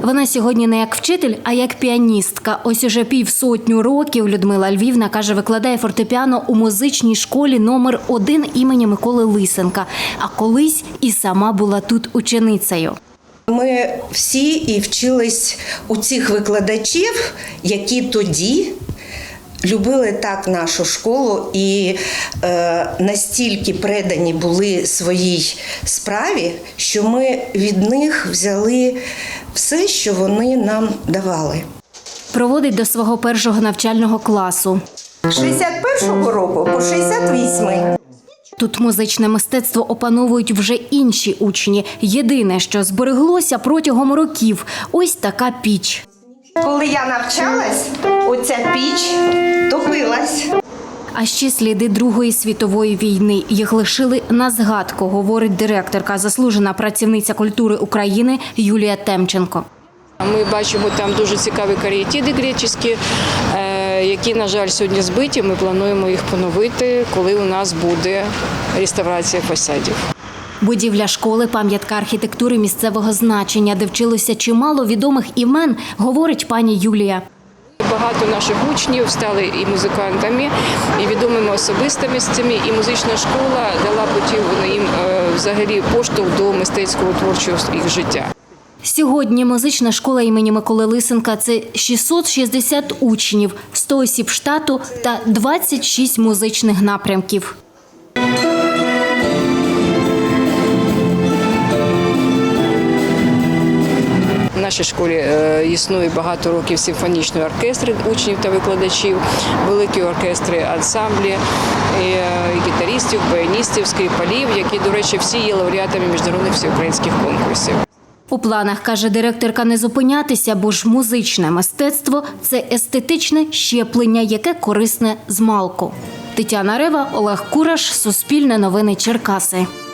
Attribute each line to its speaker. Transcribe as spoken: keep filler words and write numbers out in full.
Speaker 1: Вона сьогодні не як вчитель, а як піаністка. Ось уже півсотню років Людмила Львівна, каже, викладає фортепіано у музичній школі номер один імені Миколи Лисенка. А колись і сама була тут ученицею.
Speaker 2: Ми всі і вчились у цих викладачів, які тоді любили так нашу школу і е, настільки предані були своїй справі, що ми від них взяли все, що вони нам давали.
Speaker 1: Проводить до свого першого навчального класу.
Speaker 2: З шістдесят першого року по шістдесят восьмий.
Speaker 1: Тут музичне мистецтво опановують вже інші учні. Єдине, що збереглося протягом років – ось така піч.
Speaker 2: Коли я навчалась, оця піч топилась.
Speaker 1: А ще сліди Другої світової війни. Їх лишили на згадку, говорить директорка, заслужена працівниця культури України Юлія Темченко.
Speaker 3: Ми бачимо там дуже цікаві каріатиди греческі, які, на жаль, сьогодні збиті. Ми плануємо їх поновити, коли у нас буде реставрація фасадів.
Speaker 1: Будівля школи – пам'ятка архітектури місцевого значення, де вчилося чимало відомих імен, говорить пані Юлія.
Speaker 3: Багато наших учнів стали і музикантами, і відомими особистостями, і музична школа дала потім їм взагалі поштовх до мистецького творчого їх життя.
Speaker 1: Сьогодні музична школа імені Миколи Лисенка – це шістсот шістдесят учнів, сто осіб штату та двадцять шість музичних напрямків.
Speaker 3: В нашій школі існує багато років симфонічний оркестр учнів та викладачів, великі оркестри, ансамблі, і гітаристів, баяністів, скрипалів, які, до речі, всі є лауреатами міжнародних всеукраїнських конкурсів.
Speaker 1: У планах, каже директорка, не зупинятися, бо ж музичне мистецтво – це естетичне щеплення, яке корисне змалку. Тетяна Рева, Олег Кураш, Суспільне новини Черкаси.